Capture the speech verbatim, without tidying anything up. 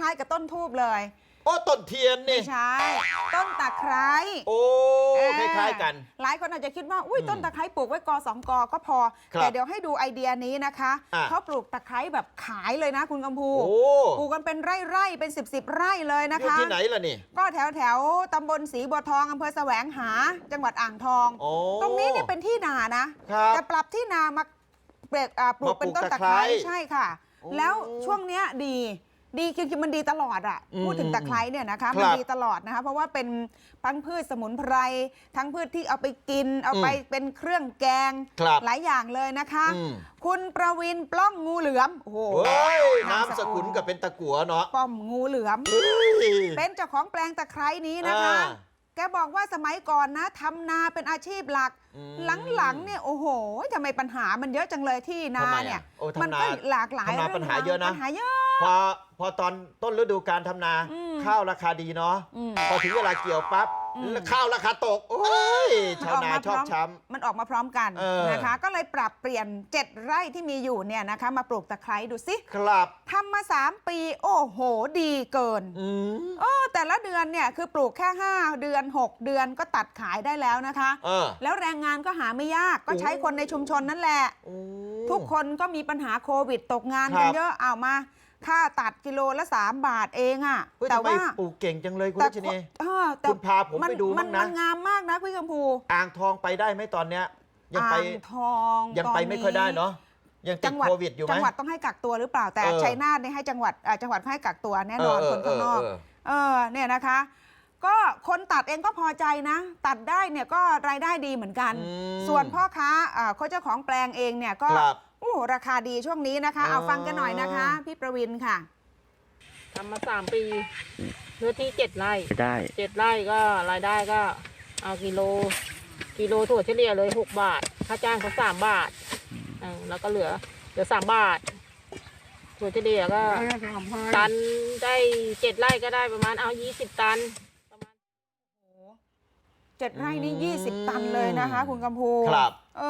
ล้ายๆกับต้นทูบเลยโอ้ต้นเทียนนี่ไม่ใช่ต้นตะไคร้โอ้คล้ายๆกันหลายคนอาจจะคิดว่าอุ้ยต้นตะไคร้ปลูกไว้กอสองกอก็พอแต่เดี๋ยวให้ดูไอเดียนี้นะคะเขาปลูกตะไคร้แบบขายเลยนะคุณกำพูปลูกกันเป็นไร่ๆเป็นสิบสิบไร่เลยนะคะที่ไหนล่ะนี่ก็แถวแถวตำบลศรีบัวทองอำเภอแสวงหาจังหวัดอ่างทองตรงนี้เนี่ยเป็นที่นานะแต่ปรับที่นามาปลูกเป็นต้นตะไคร้ใช่ค่ะแล้วช่วงเนี้ยดีดีคือมันดีตลอดอ่ะพูดถึงตะไคร้เนี่ยนะคะมันดีตลอดนะคะเพราะว่าเป็นทั้งพืชสมุนไพรทั้งพืชที่เอาไปกินเอาไปเป็นเครื่องแกงหลายอย่างเลยนะคะคุณประวินปล้องงูเหลือมโอ้โหน้ำสกุลกับเป็นตะกั่วเนาะป้อมงูเหลือมเป็นเจ้าของแปลงตะไคร้นี้นะคะแกบอกว่าสมัยก่อนนะทำนาเป็นอาชีพหลักหลังๆเนี่ยโอ้โหทำไมปัญหามันเยอะจังเลยที่นาเนี่ยมันก็หลากหลายปัญหาเยอะนะปัญหาเยอะพอพอตอนต้นฤดูการทำนาข้าวราคาดีเนาะพอถึงเวลาเกี่ยวปั๊บข้าวราคาตกโอ้ยชาวนาชอบช้ำมันออกมาพร้อมกันนะคะก็เลยปรับเปลี่ยนเจ็ดไร่ที่มีอยู่เนี่ยนะคะมาปลูกตะไคร้ดูสิครับทำมาสามปีโอ้โหดีเกินโอ้แต่ละเดือนเนี่ยคือปลูกแค่ห้าเดือนหกเดือนก็ตัดขายได้แล้วนะคะแล้วแรงงานก็หาไม่ยากก็ใช้คนในชุมชนนั่นแหละทุกคนก็มีปัญหาโควิดตกงานกันเยอะเอามาค่าตัดกิโลละสามบาทเองอ่ะแต่ว่าปลูกเก่งจังเลยคุณรัชนีคุณพาผมไปดูมั้งนะมันงามมากนะพี่กำพูอ่างทองไปได้ไหมตอนเนี้ยยังไปทองยังไปไม่ค่อยได้เนาะยังติดโควิดอยู่ไหมจังหวัดต้องให้กักตัวหรือเปล่าแต่ชัยนาทเนี่ยให้จังหวัดจังหวัดให้กักตัวแน่นอนคนข้างนอกเออเนี่ยนะคะก็คนตัดเองก็พอใจนะตัดได้เนี่ยก็รายได้ดีเหมือนกันส่วนพ่อค้าเขาเจ้าของแปลงเองเนี่ยก็โอ้ราคาดีช่วงนี้นะคะเอาฟังกันหน่อยนะคะพี่ประวินค่ะทำมาสามปีเนื้อที่เจ็ดไร่ได้เจ็ดไร่ก็รายได้ก็เอากิโลกิโลถั่วเฉลี่ยเลยหกบาทค่าจ้างเขาสามบาทแล้วก็เหลือเหลือสามบาทถั่วเฉลี่ยก็ตันได้เจ็ดไร่ก็ได้ประมาณเอายี่สิบตันประมาณเจ็ดไร่นี่ยี่สิบตันเลยนะคะคุณกำพูครับ